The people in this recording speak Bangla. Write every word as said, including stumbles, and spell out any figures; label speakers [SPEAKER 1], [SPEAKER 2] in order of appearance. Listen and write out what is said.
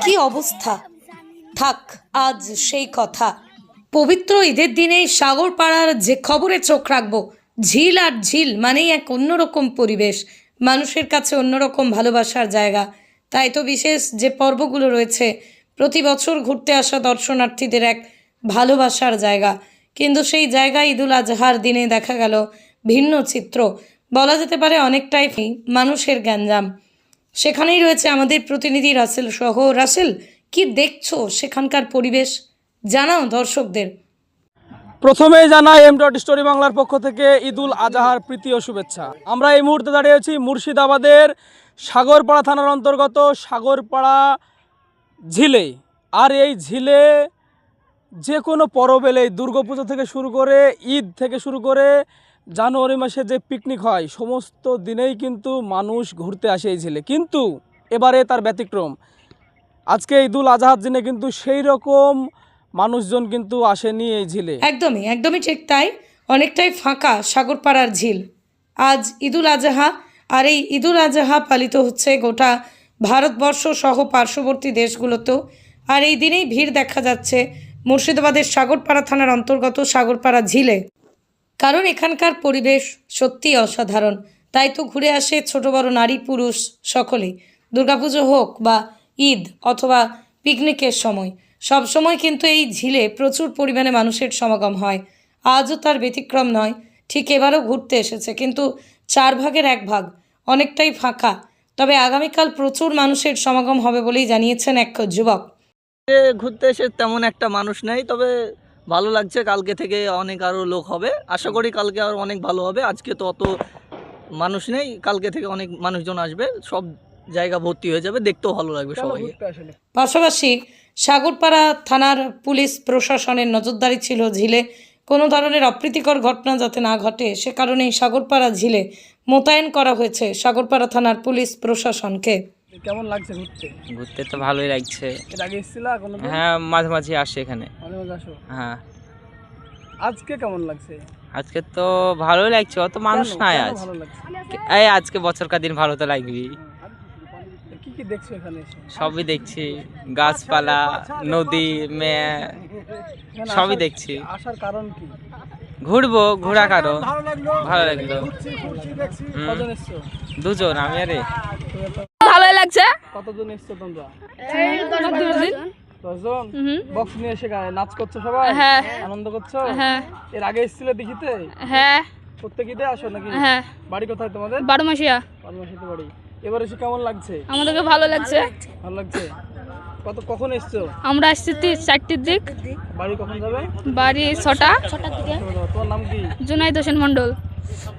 [SPEAKER 1] কি অবস্থা। থাক আজ সেই কথা। পবিত্র ঈদের দিনে সাগরপাড়ার যে খবরে চোখ রাখবো, ঝিল আর ঝিল মানেই এক অন্যরকম পরিবেশ, মানুষের কাছে অন্যরকম ভালোবাসার জায়গা। তাই তো বিশেষ যে পর্বগুলো রয়েছে, প্রতি বছর ঘুরতে আসা দর্শনার্থীদের এক ভালোবাসার জায়গা। কিন্তু সেই জায়গায় ঈদুল আজহার দিনে দেখা গেল ভিন্ন চিত্র, বলা যেতে পারে অনেকটাই মানুষের গ্যাঞ্জাম। সেখানেই রয়েছে আমাদের প্রতিনিধি রাসেল সহ। রাসেল, কি দেখছো সেখানকার পরিবেশ, জানাও দর্শকদের।
[SPEAKER 2] প্রথমেই জানাই এম ডট স্টোরি বাংলার পক্ষ থেকে ঈদুল আজহার প্রীতি ও শুভেচ্ছা। আমরা এই মুহূর্তে দাঁড়িয়ে আছি মুর্শিদাবাদের সাগরপাড়া থানার অন্তর্গত সাগরপাড়া ঝিলে। আর এই ঝিলে যে কোনো পরব এলে, দুর্গাপুজো থেকে শুরু করে ঈদ থেকে শুরু করে জানুয়ারি মাসে যে পিকনিক হয়, সমস্ত দিনেই কিন্তু মানুষ ঘুরতে আসে এই ঝিলে। কিন্তু এবারে তার ব্যতিক্রম। আজকে ঈদুল আজহার দিনে কিন্তু সেই রকম মানুষজন কিন্তু আসেনি এই ঝিলে।
[SPEAKER 1] একদমই একদমই ঠিক তাই, অনেকটাই ফাঁকা সাগরপাড়ার ঝিল। আজ ঈদুল আজহা, আর এই ঈদুল আজহা পালিত হচ্ছে গোটা ভারতবর্ষ সহ পার্শ্ববর্তী দেশগুলোতেও। আর এই দিনেই ভিড় দেখা যাচ্ছে মুর্শিদাবাদের সাগরপাড়া থানার অন্তর্গত সাগরপাড়া ঝিলে, কারণ এখানকার পরিবেশ সত্যিই অসাধারণ। তাই তো ঘুরে আসে ছোট বড় নারী পুরুষ সকলেই। দুর্গাপুজো হোক বা ঈদ অথবা পিকনিকের সময়, সব সময় কিন্তু এই ঝিলে প্রচুর পরিমাণে মানুষের সমাগম হয়। আজও তার ব্যতিক্রম নয়, ঠিক এবারও ঘুরতে এসেছে, কিন্তু চার ভাগের এক ভাগ, অনেকটাই ফাঁকা। তবে আগামীকাল প্রচুর মানুষের সমাগম হবে বলেই জানিয়েছেন এক যুবক।
[SPEAKER 3] ঘুরতে এসে তেমন একটা মানুষ নেই, তবে ভালো লাগছে। কালকে থেকে অনেক আরও লোক হবে, আশা করি কালকে আর অনেক ভালো হবে। আজকে তো অত মানুষ নেই, কালকে থেকে অনেক মানুষজন আসবে, সব জায়গা ভর্তি হয়ে যাবে, দেখতেও ভালো লাগবে সবাই।
[SPEAKER 1] পাশাপাশি সাগরপাড়া থানার পুলিশ প্রশাসনের নজরদারি ছিল ঝিলে কোনো ধরনের অপ্রীতিকর ঘটনা যাতে না ঘটে, সে কারণেই সাগরপাড়া ঝিলে মোতায়েন করা হয়েছে সাগরপাড়া থানার পুলিশ প্রশাসনকে।
[SPEAKER 2] কেমন লাগছে ঘুরতে?
[SPEAKER 4] ঘুরতে তো ভালোই লাগছে।
[SPEAKER 2] এর আগে এসেছিলা কোনোদিন?
[SPEAKER 4] হ্যাঁ, মাঝে মাঝে আসি এখানে।
[SPEAKER 2] মাঝে মাঝে আসো?
[SPEAKER 4] হ্যাঁ।
[SPEAKER 2] আজকে কেমন লাগছে?
[SPEAKER 4] আজকে তো ভালোই লাগছে, অত মানুষ নাই
[SPEAKER 2] কেন
[SPEAKER 4] আজ।
[SPEAKER 2] ভালো লাগছে?
[SPEAKER 4] এই আজকে বছরকার দিন ভালো তো লাগবেই।
[SPEAKER 2] কি কি দেখছো এখানে এসে?
[SPEAKER 4] সবই দেখছি, গাছপালা, নদী, মেয়ে,
[SPEAKER 2] এখানে
[SPEAKER 4] সবই
[SPEAKER 2] আসার-
[SPEAKER 4] দেখছি।
[SPEAKER 2] আসার কারণ কি?
[SPEAKER 4] ঘুরবো, ঘোরা কারো ভালো লাগলো। হুম,
[SPEAKER 2] কজন এসছো?
[SPEAKER 4] দুজন, আমি আরে।
[SPEAKER 5] ভালোই লাগছে।
[SPEAKER 2] কতজন এসছো তোমরা?
[SPEAKER 5] দশ
[SPEAKER 2] দশজন? বক্স নিয়ে এসে গায়ে নাচ করছো সবাই?
[SPEAKER 5] হ্যাঁ।
[SPEAKER 2] আনন্দ করছো?
[SPEAKER 5] হ্যাঁ
[SPEAKER 2] এর আগে এসেছিলে দেখিতে?
[SPEAKER 5] হ্যাঁ
[SPEAKER 2] প্রত্যেক ঈদে আসো নাকি?
[SPEAKER 5] হ্যাঁ
[SPEAKER 2] বাড়ি কোথায় তোমাদের?
[SPEAKER 5] বারো মাসিয়া।
[SPEAKER 2] পারমাশিতে বাড়ি। এবার এসে কেমন লাগছে?
[SPEAKER 5] আমাদেরকে ভালো লাগছে।
[SPEAKER 2] ভালো লাগছে। কত কখন এসছো?
[SPEAKER 5] আমরা আসছি তি- চারটির দিক,
[SPEAKER 2] বাড়ি কখন যাবে?
[SPEAKER 5] বাড়ি ছটা ছটার দিকে।
[SPEAKER 2] তোমার নাম কি?
[SPEAKER 5] জুনাইদ হোসেন মন্ডল।